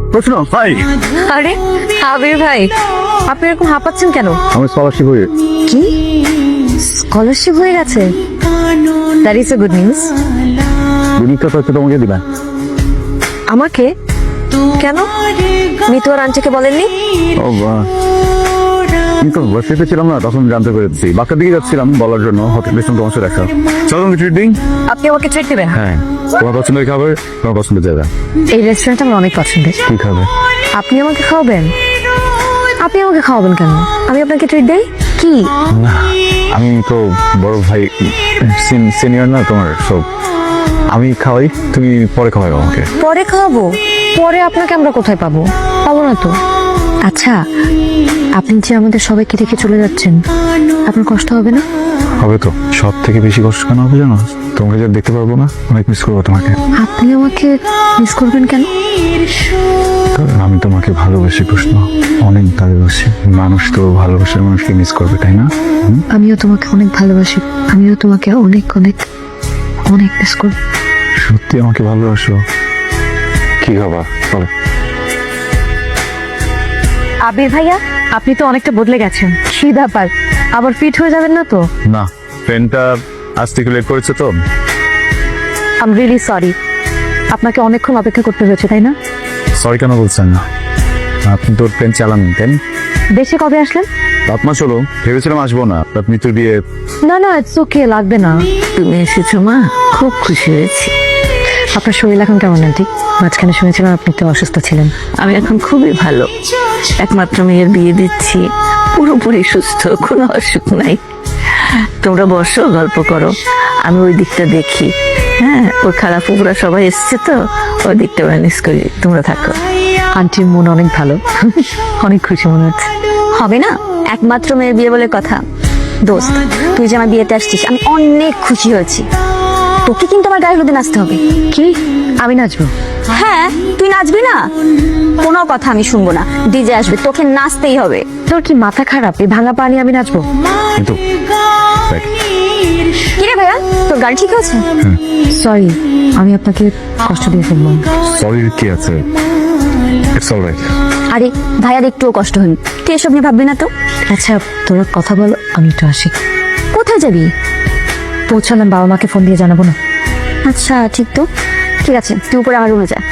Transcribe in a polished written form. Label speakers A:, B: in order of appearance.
A: প্রশ্ন ভাই,
B: আরে আবির ভাই, আপনি এরকম হাঁপাচ্ছেন কেন?
A: আমার স্কলারশিপ হয়ে
B: কি স্কলারশিপ হয়ে গেছে? That is a good news.
A: দুনিকা তো তোমাকে দিবা।
B: আমাকে কেন? মিতু আর আন্টিকে বলেননি?
A: ও বাহ, কিন্তু বসেতে ছিলাম না, তখন জানতে পেরেছি। বাঁকার দিকে যাচ্ছিলাম বলার জন্য, হঠাৎ পেছন তোমার সাথে দেখা। চলো আমি ট্রিট দিই।
B: আপনি আমাকে ট্রিট দেবেন?
A: হ্যাঁ, তোমার পছন্দের খাবার, তোমার পছন্দের জায়গা।
B: এই রেস্টুরেন্ট আমার অনেক পছন্দের।
A: কি খাবে?
B: আপনি আমাকে খাওয়াবেন? আপনি আমাকে খাওয়াবেন কেন? আমি আপনাকে ট্রিট দেই কি?
A: না, আমি তো বড় ভাই, সিনিয়র না তোমার, সব আমি খাওয়াই, তুমি পরে খাওয়াই আমাকে।
B: পরে খাওয়াবো? পরে আপনাকে আমরা কোথায় পাবো? পাবো না তো। আচ্ছা, আপনি যে আমাদের সবাইকে রেখে চলে যাচ্ছেন, আপনার কষ্ট হবে না?
A: হবে তো, সব থেকে বেশি কষ্ট কেন হবে জানো? তোমাকে যা দেখতে পারবো না, অনেক মিস করবো তোমাকে।
B: আপনি আমাকে মিস করবেন কেন?
A: কারণ আমি তোমাকে ভালোবাসি প্রশ্ন, অনেক ভালোবাসি। মানুষ তো ভালোবাসার মানুষকে মিস করবে, তাই না?
B: আমিও তোমাকে অনেক ভালোবাসি, আমিও তোমাকে অনেক অনেক অনেক মিস করব।
A: সত্যি আমাকে ভালোবাসো? কি খাবার বলো?
B: আবির ভাইয়া, আপনি তো অনেকটা বদলে গেছেন। কি ব্যাপার, আবার ফিট হয়ে যাবেন না তো?
A: না, ট্রেনটা আজ থেকে লেট করেছে তো।
B: আই এম রিয়েলি সরি, আপনাকে অনেকক্ষণ অপেক্ষা করতে হয়েছে, তাই না?
A: সরি কেন বলছেন না? আপনি তো ট্রেন চালান, তাই না?
B: দেশে কবে আসলেন?
A: 7 মাস হলো, ভেবেছিলাম আসবো না, আপনি তো বিয়ে।
B: না না, ইটস ওকে, লাগবে না।
C: তুমি এসেছো মা, খুব খুশি হয়েছি।
B: আপনার শরীর এখন কেমন আন্টি? মাঝখানে শুনেছিলাম আপনি তো অসুস্থ ছিলেন।
C: আমি এখন খুবই ভালো, একমাত্র মেয়ের বিয়ে দিচ্ছি, পুরোপুরি সুস্থ, কোনো অসুখ নাই। তোমরা বসো, গল্প করো, আমি ওই দিকটা দেখি। হ্যাঁ, ওর খারাপ পুকুরা সবাই এসছে তো, ওই দিকটা ম্যানেজ করি, তোমরা থাকো।
B: আন্টির মন অনেক ভালো, অনেক খুশি মনে হচ্ছে।
D: হবে না, একমাত্র মেয়ের বিয়ে বলে কথা। দোস্ত, তুই যে আমার বিয়েতে আসছিস, আমি অনেক খুশি হয়েছি। তোকে কিন্তু আমার গায়ে হলুদে নাচতে হবে।
B: কি, আমি নাচবো?
D: হ্যাঁ, তুই নাচবি না? কোনো কথা আমি শুনবো না, ডিজে আসবে, তোকে নাচতেই হবে।
B: তোর কি মাথা খারাপ? এই ভাঙা পানি আমি নাচবো?
A: কিন্তু
D: কিরে ভাইয়া, তোর গাড়ি ঠিক আছে?
B: সরি, আমি আপনাকে কষ্ট দিয়ে ফেলবো।
A: সরি কি আছে, ইটস অলরাইট।
D: আরে ভাইয়ার একটুও কষ্ট হয়নি, তুই এসব নিয়ে ভাববি না তো।
B: আচ্ছা, তোরা কথা বলো, আমি একটু আসি।
D: কোথায় যাবি?
B: পৌঁছালাম, বাবা মাকে ফোন দিয়ে জানাবো না?
D: আচ্ছা ঠিক তো, ঠিক আছে, তুই উপরে আমার রুমে যা।